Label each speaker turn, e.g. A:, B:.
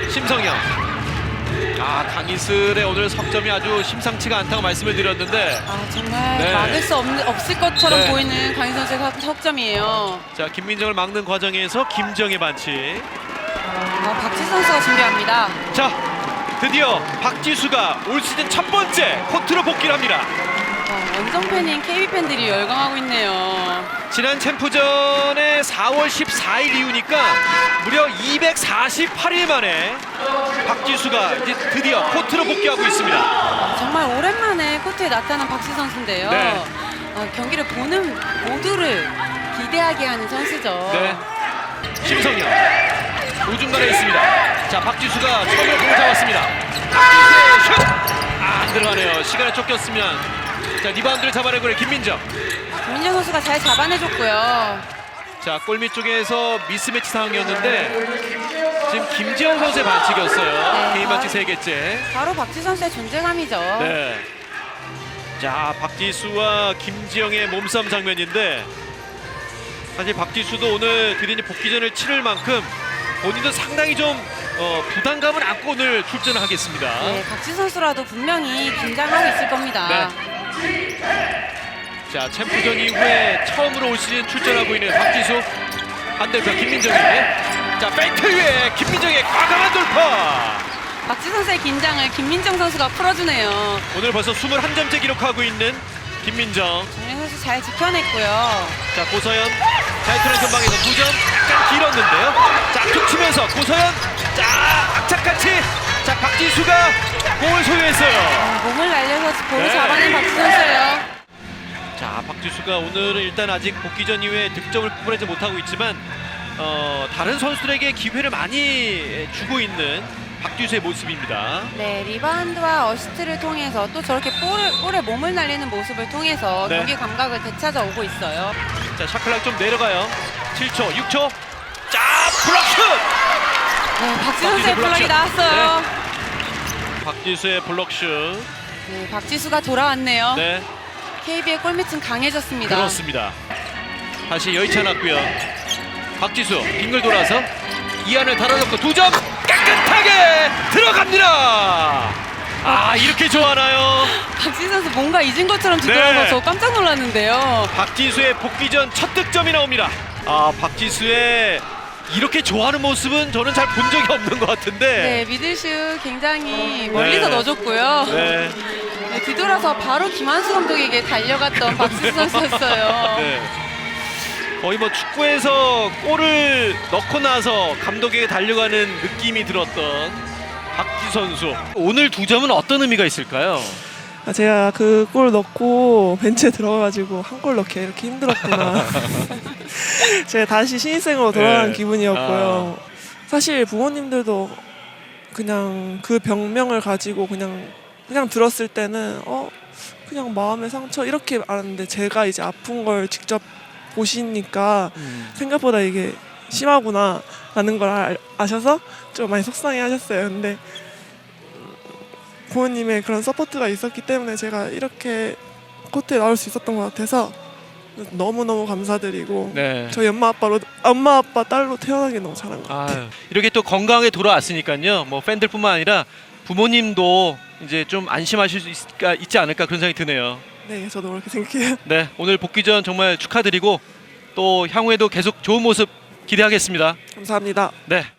A: 심성영. 강희슬의 오늘 석점이 아주 심상치가 않다고 말씀을 드렸는데
B: 정말
A: 네.
B: 막을 수 없을 것처럼
A: 네.
B: 보이는 강희 선수의 석점이에요.
A: 자, 김민정을 막는 과정에서 김정의 반칙.
B: 박지 선수가 준비합니다.
A: 자, 드디어 박지수가 올 시즌 첫 번째 코트로 복귀를 합니다.
B: 원정 팬인 KB 팬들이 열광하고 있네요.
A: 지난 챔프전의 4월 14일 이후니까 무려 248일 만에 박지수가 이제 드디어 코트로 복귀하고 있습니다.
B: 정말 오랜만에 코트에 나타난 박지 선수인데요.
A: 네.
B: 경기를 보는 모두를 기대하게 하는 선수죠.
A: 네. 심성영 우중간에 있습니다. 자, 박지수가 처음으로 공을 잡았습니다. 박지수의 슛! 안 들어가네요. 시간에 쫓겼으면. 자, 리바운드를 잡아내고 있는 김민정.
B: 김민정 선수가 잘 잡아내줬고요.
A: 자, 골밑 쪽에서 미스매치 상황이었는데 지금 김지영 선수의 반칙이었어요.
B: 네.
A: 개인 반칙 3개째.
B: 바로 박지 선수의 존재감이죠.
A: 네. 자, 박지수와 김지영의 몸싸움 장면인데 사실 박지수도 오늘 드디어 복귀전을 치를 만큼 본인도 상당히 좀 부담감을 안고 오늘 출전을 하겠습니다.
B: 네, 박지 선수라도 분명히 긴장하고 있을 겁니다.
A: 네. 자, 챔프전 이후에 처음으로 올 시즌 출전하고 있는 박지수. 반대편 김민정이. 자, 페인트 위에 김민정의 과감한 돌파.
B: 박지 선수의 긴장을 김민정 선수가 풀어주네요.
A: 오늘 벌써 21점째 기록하고 있는 김민정.
B: 정민 선수 잘 지켜냈고요.
A: 자, 고서연 자유투는 전방에서 2점 약간 길었는데요. 자, 툭 치면서 고서연. 자, 악착같이. 자, 박지수가 공을 소유했어요.
B: 몸을 날려서 볼을
A: 네.
B: 잡아낸 박지 선수예요.
A: 자, 박지수가 오늘은 일단 아직 복귀전 이후에 득점을 뽑아내지 못하고 있지만 다른 선수들에게 기회를 많이 주고 있는 박지수의 모습입니다.
B: 네, 리바운드와 어시스트를 통해서 또 저렇게 볼에 몸을 날리는 모습을 통해서
A: 네.
B: 경기 감각을 되찾아오고 있어요.
A: 자, 샤클락 좀 내려가요. 7초, 6초. 자, 블록슛!
B: 네, 박지 선수의 블락이
A: 블록슛.
B: 나왔어요.
A: 박지수의 블록슛.
B: 네, 박지수가 돌아왔네요.
A: 네,
B: KB의 골밑은 강해졌습니다.
A: 그렇습니다. 다시 여의치 않았고요. 박지수 빙글 돌아서 이안을 달아놓고 2점 깨끗하게 들어갑니다. 이렇게 좋아하나요?
B: 박지 선수 뭔가 잊은 것처럼 뒤돌아서
A: 네.
B: 저 깜짝 놀랐는데요.
A: 박지수의 복귀전 첫 득점이 나옵니다. 박지수의 이렇게 좋아하는 모습은 저는 잘 본 적이 없는 것 같은데.
B: 네, 미들슛 굉장히 멀리서
A: 네.
B: 넣어줬고요.
A: 네.
B: 네, 뒤돌아서 바로 김한수 감독에게 달려갔던 박지수 선수였어요.
A: 네. 거의 뭐 축구에서 골을 넣고 나서 감독에게 달려가는 느낌이 들었던 박지수 선수. 오늘 2점은 어떤 의미가 있을까요?
C: 제가 그 골 넣고 벤치에 들어가가지고 한 골 넣기 이렇게 힘들었구나. 제가 다시 신입생으로 돌아가는
A: 네.
C: 기분이었고요. 사실 부모님들도 그냥 그 병명을 가지고 그냥 들었을 때는 그냥 마음의 상처 이렇게 알았는데 제가 이제 아픈 걸 직접 보시니까 생각보다 이게 심하구나 라는 걸 아셔서 좀 많이 속상해 하셨어요. 근데 부모님의 그런 서포트가 있었기 때문에 제가 이렇게 코트에 나올 수 있었던 것 같아서 너무너무 감사드리고
A: 네.
C: 저희 엄마 아빠 딸로 태어난 게 너무 잘한 것 같아요.
A: 이렇게 또 건강하게 돌아왔으니까요. 뭐 팬들뿐만 아니라 부모님도 이제 좀 안심하실 수 있지 않을까 그런 생각이 드네요.
C: 네, 저도 그렇게 생각해요.
A: 네, 오늘 복귀전 정말 축하드리고 또 향후에도 계속 좋은 모습 기대하겠습니다.
C: 감사합니다.
A: 네.